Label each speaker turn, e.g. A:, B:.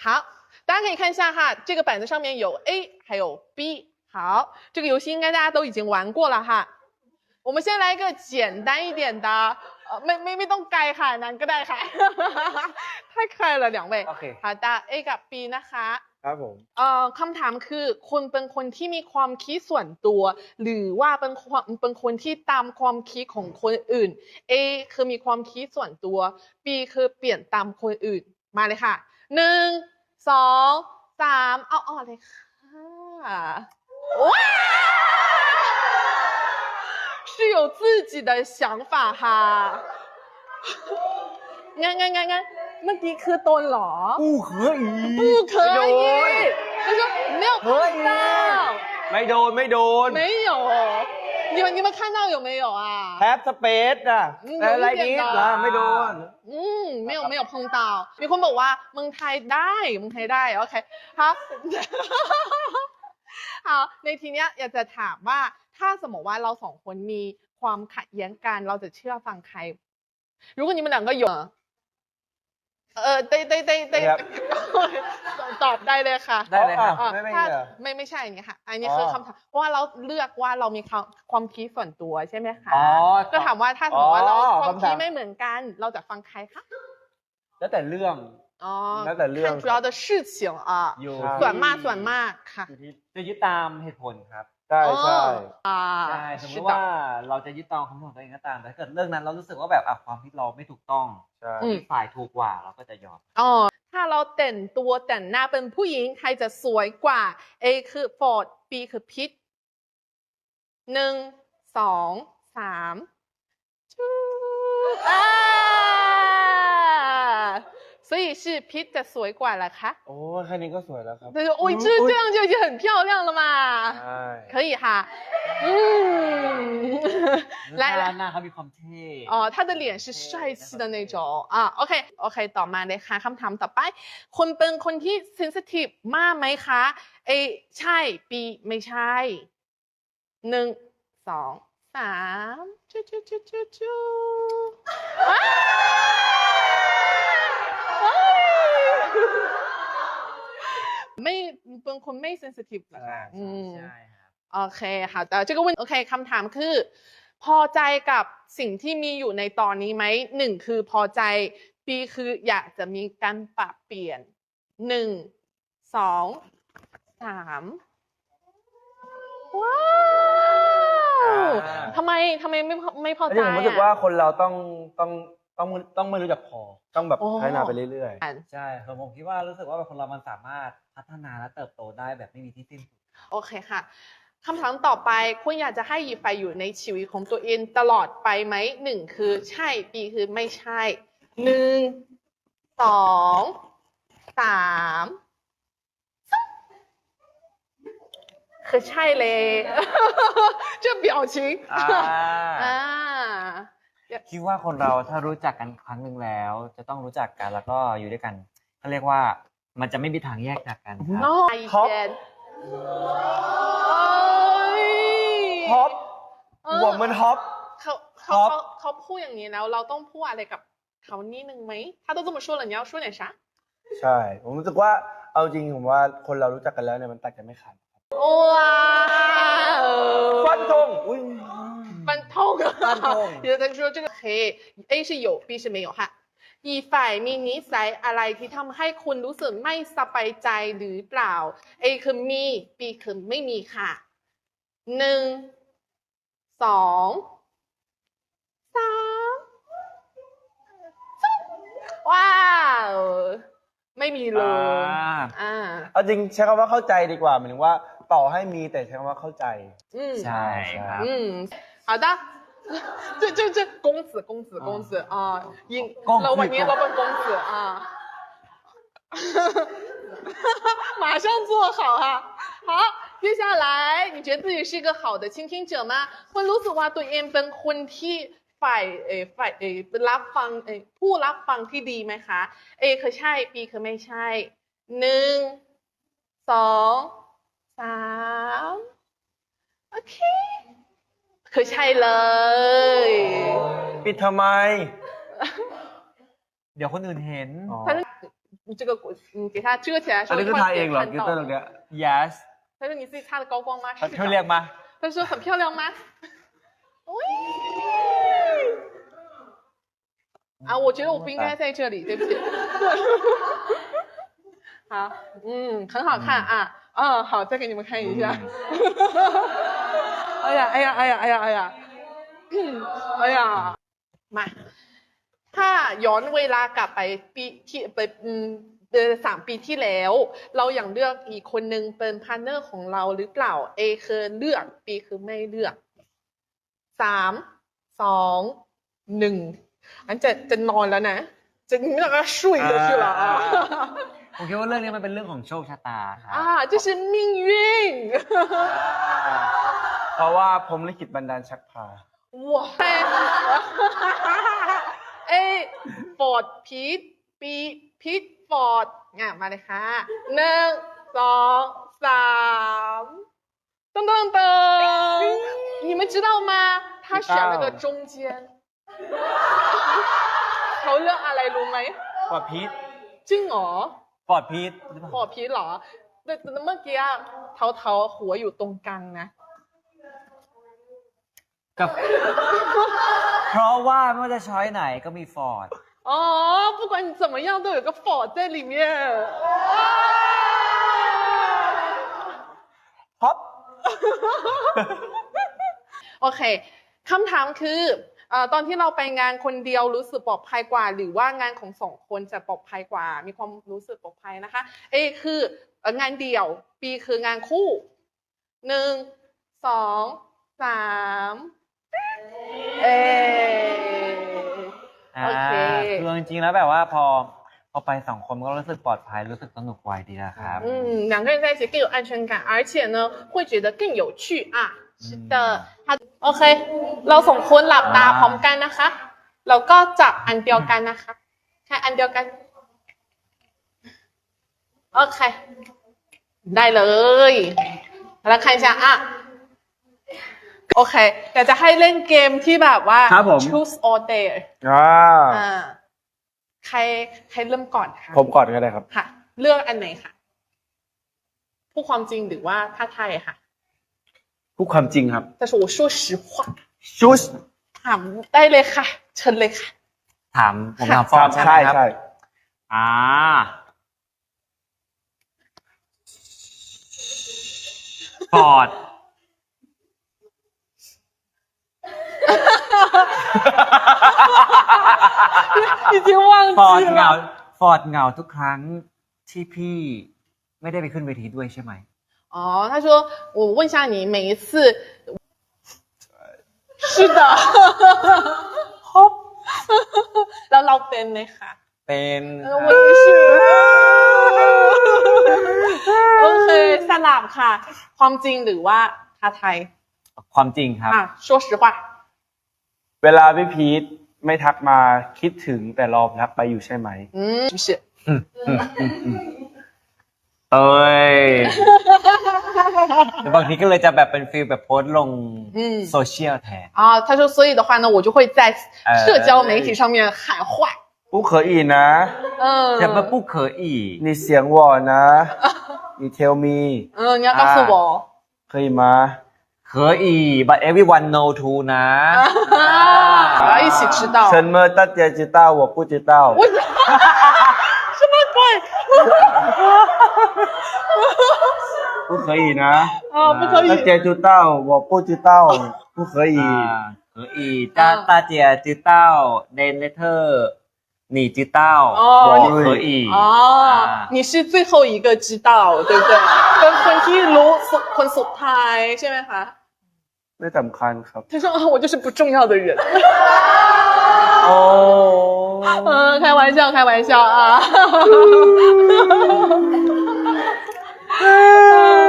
A: 好，大家可以看一下哈，这个板子上面有 A 还有 B。好，这个游戏应该大家都已经玩过了哈。我们先来一个简单一点的，ไม่ต้องไกลค่ะนั้นก็ได้ค่ะ 太可爱了两位
B: โอเค
A: 好的 A กับ B นะคะ
B: ครับผม
A: คำถามคือคุณเป็นคนที่มีความคิดส่วนตัว หรือว่าเป็นคนที่ตามความคิดของคนอื่น A คือมีความคิดส่วนตัว B คือเปลี่ยนตามคนอื่นมาเลยค่ะ1 2 3เอาเลยค่ะว้า是有自己的想法哈งั้นเมื่อกี้คือตนเหรอ
B: 不可以
A: 不可以他说没有看到
B: ไม่โดน
A: 没有你们看到有没有啊
B: แฮปสเปซอะอะไรนี้ล่ะไม่โดน
A: 没有碰到มีคนบอกว่าเมืองไทยได้โอเค好好ในทีเนี้ยอยากจะถามว่าถ้าสมมติว่าเราสองคนมีความขัดแย้งกันเราจะเชื่อฟังใคร如果你们两个有ได้ตอบได้เลยค่ะ
B: ได้เลยครับ
A: ไม่ใช่อย่างนี้ค่ะอันนี้คือคำถามเพราะว่าเราเลือกว่าเรามีความคิดส่วนตัวใช่ไหมคะก็ถามว่าถ้าสมมติว่าเราความคิดไม่เหมือนกันเราจะฟังใครคะ
B: แล้วแต่เรื่อง
A: แล้วแต่เรื่อง看主要的事情ส่วนมากค่ะ
C: จะยึดตามเหตุผลครับ
B: ใช่
C: สมมติว่าเราจะยึดตามคำพูดของตัวเองก็ตามแต่ถ้าเกิดเรื่องนั้นเรารู้สึกว่าแบบความคิดเราไม่ถูกต้องฝ่ายถูกกว่าเราก็จะยอม
A: ถ้าเราแต่งตัวแต่งหน้าเป็นผู้หญิงใครจะสวยกว่า A คือฟอร์ด B คือพิท1 2 3所以是 Pete 的สวยกว่าเหรอคะ
B: โอ้แค่นี้ก็สวยแล้วครับ
A: 对โอ้ย这样就已经很漂亮了嘛可以哈
C: 来หน้าเขามีความเท่
A: 他的脸是帅气的那种โอเคต่อมาเลยค่ะคำถามต่อไปคุณเป็นคนที่ sensitive มากไหมคะ A ใช่ B ไม่ใช่1 2 3จูไม่เป็นคนไม่ sensitive เหรอคะ
C: ใช่ครับ
A: โอเคค่ะแต่这个问โอเคคำถามคือพอใจกับสิ่งที่มีอยู่ในตอนนี้ไหม1คือพอใจ B คืออยากจะมีการปรับเปลี่ยน1 2 3ว้าวทำไมไม่พอใจ
B: ผมรู้สึกว่าคนเราต้องไม่รู้จักพอต้องแบบพัฒนาไปเรื่อย
C: ๆใช่ผมคิดว่ารู้สึกว่าคนเรามันสามารถพัฒนาและเติบโตได้แบบไม่มีที่สิ้นสุด
A: โอเคค่ะคำถามต่อไปคุณอยากจะให้หยิบไปอยู่ในชีวิตของตัวเองตลอดไปไหม1คือใช่ B คือไม่ใช่1 2 3คือใช่เลย这表情
C: คิดว่าคนเราถ้ารู้จักกันครั้งหนึ่งแล้วจะต้องรู้จักกันแล้วก็อยู่ด้วยกันเขาเรียกว่ามันจะไม่มีทางแยกจากกัน
B: ครับฮอปหัวมันฮอป
A: เขาพูดอย่างนี้แล้วเราต้องพูดอะไรกับเขานิดนึงไหมถ้าต้อง这么说了你要说点啥
B: ใช่ผมรู้สึกว่าเอาจริงผมว่าคนเรารู้จักกันแล้วเนี่ยมันตัดกันไม่ขาด
A: 哇
B: ฟันธง
A: 有的说这个黑 A 是有 B 是没有哈อีกฝ่ายมีนิสัยอะไรที่ทำให้คุณรู้สึกไม่สบายใจหรือเปล่า A คือมี B คือไม่มีค่ะ1 2 3ว้าวไม่มีเลย
B: เอาจริงใช้คำว่าเข้าใจดีกว่าหมายถึงว่าต่อให้มีแต่ใช้คำว่าเข้าใจ
C: ใช่ครับ
A: 好的这公子啊老板娘老板公子啊马上做好哈好接下来你觉得自己是一个好的倾听者吗คุณรู้สึกว่าตัวเองเป็นคนที่ฝ่ายรับฟังผู้รับฟังที่ดีไหมคะ A คือใช่ B คือไม่ใช่1 2 3โอเคคือใช่เลย
B: ปิดทำไม
C: เดี๋ยวคนอื่นเห็น
A: 你这个你给它遮起来的时
B: อัน
A: 候，
B: นี้คือ
A: 会
B: ทาเองเหรอ
A: 看
B: กิต
A: 到
B: เตอร์ตรงเนี้ย
C: yes
A: 他说你自己擦的高光吗？是
C: เขาเรียก
A: 的。
C: มา
A: 他说很漂亮吗？喂。啊，我觉得我不应该在这里，对不起。好，很好看啊。好，再给你们看一下。哎呀，哎呀，哎呀，哎呀，哎呀，哎呀，มาถ้าย้อนเวลากลับไปปีที่ไป3 ปีที่แล้ว เราอย่างเลือกอีกคนนึงเป็นพาร์ทเนอร์ของเราหรือเปล่า A คือเลือก B คือไม่เลือก3 2 1อันจะนอนแล้วนะจะไม่ต้อง睡下去了啊
C: ผมคิดว่าเรื่องนี้มันเป็นเรื่องของโชคชะตาครับ
A: 这是命运
B: เพราะว่าผมลิขิตบันดาลชักพา
A: 哇A Ford พีท B พีท Ford มาเลยค่ะ1 2 3噔噔噔你们知道吗他选了个中间เขาเลือกอะไรรู้ไหม
B: กว่าพีท
A: จริงเหรอ
C: ฟอร์ดพีท
A: พอพีทเหรอแต่เมื่อกี้เทาหัวอยู่ตรงกลางนะ
C: กับ เพราะว่าไม่ว่าจะช้อยไหนก็มีฟอร์ด
A: 不管你怎么样都有个 Ford 在里面
B: ฮอป
A: โอเคคำถามคือตอนที่เราไปงานคนเดียวรู้สึกปลอดภัยกว่า หรือว่างานของ2 คนจะปลอดภัยกว่า มีความรู้สึกปลอดภัยนะคะ A คืองานเดี่ยว B คืองานคู่1 2 3โอเค
C: คือจริงๆแล้วแบบว่าพอไป2 คนก็รู้สึกปลอดภัยรู้สึกสนุกไวดีนะครับ
A: 2个人在一起更有安全感而且呢会觉得更有趣啊是的โอเคเรา2 คนหลับตาพร้อมกันนะคะแล้วก็จับอันเดียวกันนะคะแค่อันเดียวกันโอเคได้เลยแล้ว看一下啊โอเคอยากจะให้เล่นเกมที่แบบว่า choose or dare ใครเริ่มก่อนคะ
B: ผมก่อนก็ได้ครับ
A: ค่ะเลือกอันไหนคะพูดความจริงหรือว่าท้าทายค่ะ
B: พูดความจริงครับ
A: แต่是我说实话
B: ชูส
A: ถามได้เลยค่ะเชิญเลยค่ะ
C: ถามผมถามฟอร์ดใช่ไหมครับ
B: ใช่
C: ฟอร์ด
A: 已经忘记了
C: ฟอร์ดเหงาทุกครั้งที่พี่ไม่ได้ไปขึ้นเวทีด้วยใช่ไหม
A: 他说我问一下你每一次是的แล้วเราเป็นไหมคะ
C: เป็น
A: 我也是โอเคสลับค่ะความจริงหรือว่าท้าทาย
C: ความจริงครับ
A: 说实话
B: เวลาพี่พีทไม่ทักมาคิดถึงแต่รอทักไปอยู่ใช่ไหม
A: 不是
C: เอ้ยบางทีก็เลยจะแบบเป็นฟีลแบบโพสต์ลงโซเชียลแทน
A: 他说所以的话呢我就会在社交媒体上面喊话
B: 不可以นะ
C: จะมา不可以
B: 你想我นะ你 tell me
A: 你要告诉我
B: 可以吗
C: 可以 but everyone know too นะ
A: 我要一起知道
B: 什么大家知道我不知道
A: 什么鬼
B: 不可以呢
A: 不可以
B: 大家知道我不知道不可以
C: 可以大家知道 then later 你知道我可以
A: 你是最后一个知道对不对เป็นคนที่รู้คนสุดท้ายใช่ไหมคะ
B: ไม่สำคัญครับ
A: 他说我就是不重要的人开玩笑开玩笑啊